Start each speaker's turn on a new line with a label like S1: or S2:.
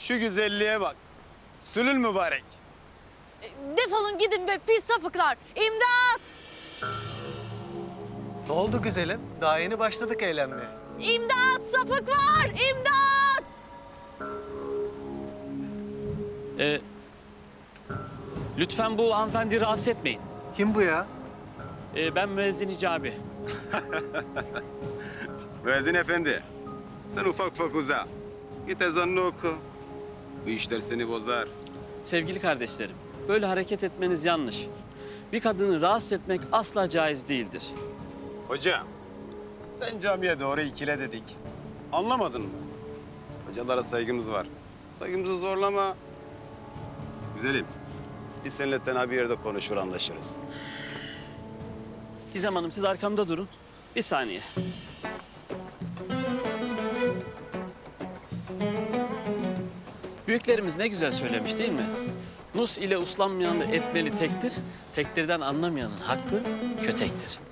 S1: Şu güzelliğe bak. Sülül mübarek.
S2: Defolun gidin be pis sapıklar. İmdat!
S3: Ne oldu güzelim? Daha yeni başladık eğlenmeye.
S2: İmdat! Sapık var! İmdat!
S4: Lütfen bu hanımefendi rahatsız etmeyin.
S3: Kim bu ya?
S4: Ben müezzin Hicabi.
S1: Müezzin efendi. Sen ufak ufak uza. Git ezanını oku. Bu işler seni bozar.
S4: Sevgili kardeşlerim, böyle hareket etmeniz yanlış. Bir kadını rahatsız etmek asla caiz değildir.
S1: Hocam, sen camiye doğru ikile dedik. Anlamadın mı? Hocalara saygımız var. Saygımızı zorlama. Güzelim, biz seninle tenha bir yerde konuşur anlaşırız.
S4: Gizem Hanım siz arkamda durun. Bir saniye. Büyüklerimiz ne güzel söylemiş değil mi? Nus ile uslanmayanı etmeli tektir, tektirden anlamayanın hakkı kötektir.